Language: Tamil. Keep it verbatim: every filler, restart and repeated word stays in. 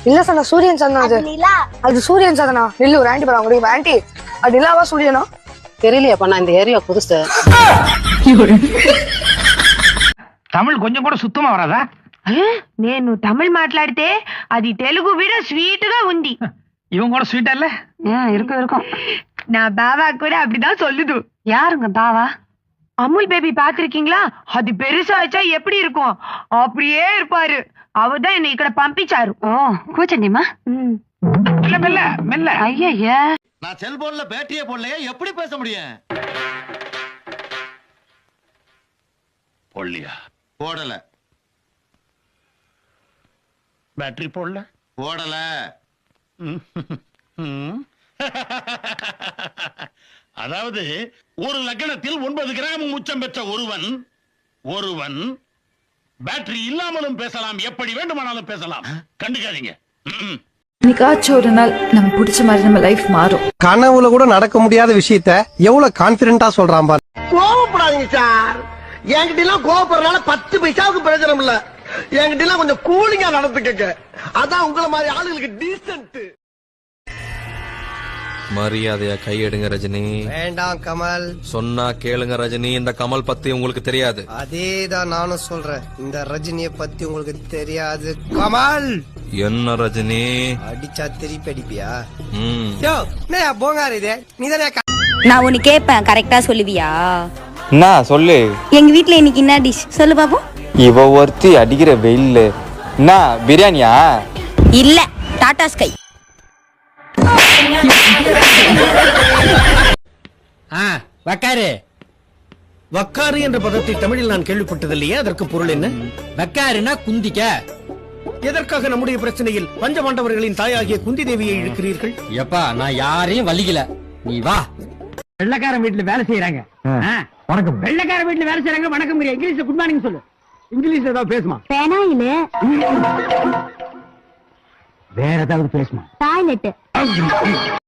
இல்ல சார் நான் சூரியன் சந்தனம் அது அது சூரியன் சந்தனா இல்ல ஒரு ஆண்டி பாருங்க ஆண்டி அது நிலாவா சூரியனா தெரியலையாப்பா நான் இந்த ஏரியா புதுசு தமிழ் கொஞ்சம் கூட சுத்தமா வராதா నేను తమిళ్ మాట్లాడితే అది తెలుగు విడ స్వీట్ గా ఉంది இவங்க கூட ஸ்வீட்டா இல்ல இருக்கும் இருக்கும் నా బావా కూడా அப்படிதான் சொல்லுது யாருங்க பாவா அமுல் பேபி பாத்திருக்கீங்களா அது பெருசாச்சா எப்படி இருக்கும் அப்படியே இருப்பாரு அவர்தான் என்ன ఇక్కడ పంపించారు ஓ கூச்சண்டிமா மெல்ல மெல்ல மெல்ல ஐயா நான் செல்போன்ல பேட்டரியே போடலையே எப்படி பேச முடியும் போடலையா போடல பேட்டரி போடல போடல அதாவது ஒரு லக்னத்தில் ஒன்பது கிராம் உச்சம் பெற்ற ஒருவன் ஒருவன் பேட்டரி இல்லாமலும் பேசலாம் எப்படி வேண்டுமானாலும் பேசலாம் கண்டுக்காதீங்க என்னைக்காச்சும் ஒரு நாள் நம்ம பிடிச்ச மாதிரி நம்ம லைஃப் மாறும். கனவுல கூட நடக்க முடியாத விஷயத்த எவ்வளவு கான்பிடென்ட்டா சொல்றான் பாரு. கோவப்படாதீங்க சார். என்கிட்ட எல்லாம் கோவப்படுறதுனால பத்து பைசாவுக்கு பிரயோஜனம் இல்ல. என்கிட்ட எல்லாம் கொஞ்சம் கூலிங்கா நடந்துக்கங்க. அதான் உங்களை மாதிரி ஆளுங்களுக்கு டீசன்ட். மரியாதையா கையெடுங்க ரஜினி. வேண்டாம் கமல். சொன்னா கேளுங்க ரஜினி. இந்த கமல் பத்தி உங்களுக்கு தெரியாது. அதேதான் நானும் சொல்றேன். இந்த ரஜினிய பத்தி உங்களுக்கு தெரியாது கமல். என்ன ரஜினி அடிச்சா திருப்பி அடிப்பியா? ம் யோ நே போங்காரு இது. நீதானே நான் ஒன்னு கேட்பேன் கரெக்டா சொல்லுவியா? என்ன சொல்லு. எங்க வீட்ல இன்னைக்கு என்ன டிஷ் சொல்லு பாப்போம். இவ ஒருத்தி அடிக்கிற வெயில்ல என்ன பிரியாணியா? இல்ல டாடா ஸ்கை. வக்காரு வக்காரு என்ற பதத்தை தமிழில் நான் கேள்விப்பட்டதில்லையே. அதற்கு பொருள் என்ன? வக்காருனா குந்திக்க. எதற்காக நம்முடைய பிரச்சனையில் பஞ்சபாண்டவர்களின் தாயாகிய குந்தி தேவியை இழுக்கிறீர்கள்? எப்பா நான் யாரையும் வலிக்கல, நீ வா. வெள்ளக்காரன் வீட்டுல வேலை செய்யறாங்க. வணக்கம். வெள்ளக்காரன் வீட்டுல வேலை செய்யறாங்க வணக்கம். இங்கிலீஷ்ல குட் மார்னிங் சொல்லு. இங்கிலீஷ்ல ஏதாவது பேசுமா? பேனாயில வேற ஏதாவது பேசுமா? டாய்லெட்.